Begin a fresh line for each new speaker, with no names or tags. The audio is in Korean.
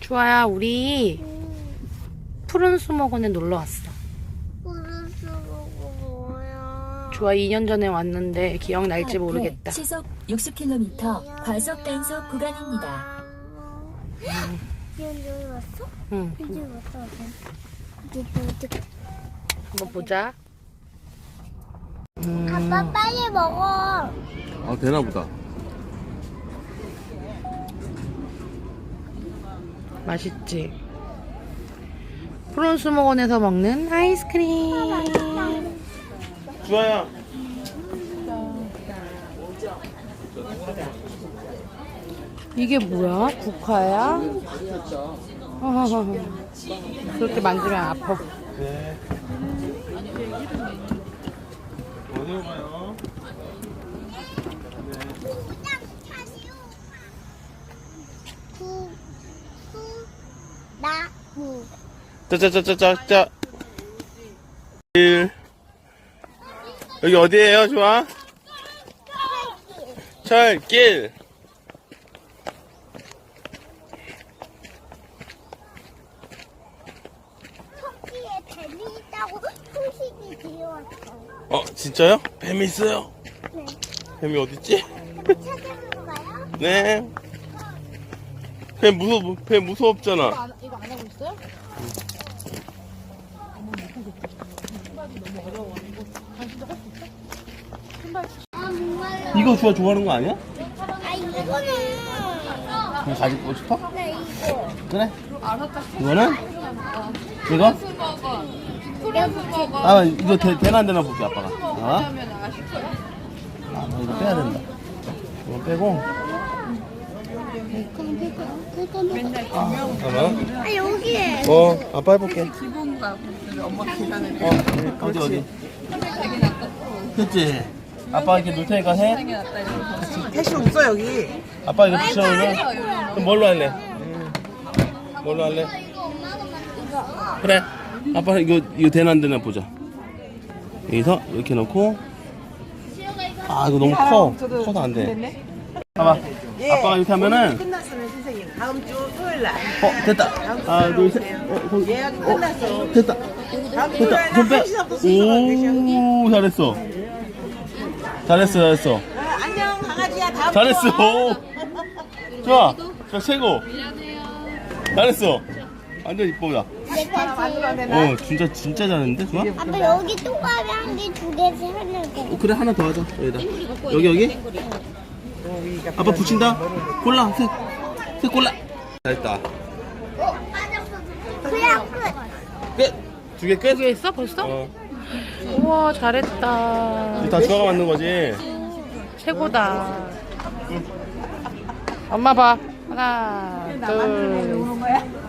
주아야, 우리 푸른 수목원에 놀러 왔어.
푸른 수목은 뭐야?
주아 2년 전에 왔는데 기억날지 모르겠다.
시속 60km 과속 단속 구간입니다.
이현 여기 왔어?
응,
이제 왔다. 이제 어떻게?
한번 보자.
아빠 빨리 먹어.
아, 되나보다.
맛있지? 푸른 수목원에서 먹는 아이스크림.
주아야.
이게 뭐야? 국화야? 그렇게 만지면 아파.
네. 어디로 가요?
나무.
짜짜짜짜짜. 여기 어디예요, 주아? 철길.
토끼에 뱀이 있다고 소식이 들려왔어요.
진짜요? 뱀이 있어요?
네.
뱀이 어딨지?
찾아볼까요?
네. 뱀 무섭잖아.
이거 안 하고 있어요?
아, 정말요?
이거 주아 좋아하는 거 아니야?
아, 이거는.
그럼 가지고 싶어?
네, 이거.
그래. 이거는? 이거?
이거
아, 이거 되나 안 되나 볼게, 아빠가. 이거 빼야 된다. 이거 빼고. 잠깐만.
아, 여기에.
아빠 해볼게. 어디. 그치? 아빠 이렇게 놓을 테니까 해.
택시 없어 여기.
아빠 이거 붙여놓으면. 그럼 뭘로 할래? 뭘로 할래? 그래. 아빠 이거 되나 안 되나 보자. 여기서 이렇게 놓고. 아, 이거 너무 커. 커서 안 돼. 봐봐.
예.
아빠가 이렇게 하면은.
끝났으면 선생님 다음 주 토요일 날.
됐다. 하나, 둘, 셋.
예약 끝났어.
됐다.
다음 주 토요일 날
손 빼.
1시부터 순서가 되셔.
오, 잘했어. 잘했어.
안녕 강아지야 다음
잘했어.
주 와.
오. 좋아. 자, 최고. 잘했어. 완전 이쁘다.
하나 만들어야 되나?
진짜 잘했는데, 좋아?
아빠, 여기 동그라미 한 개, 두 개씩 하려고.
그래, 하나 더 하자. 여기다. 여기? 아빠 붙인다? 골라, 색 골라. 잘했다.
그냥 끝.
끝. 두 개 끝?
두개 있어 벌써? 우와, 잘했다.
이거 다 주아가 만든 거지?
최고다. 엄마 봐. 하나, 둘,
오는 거야?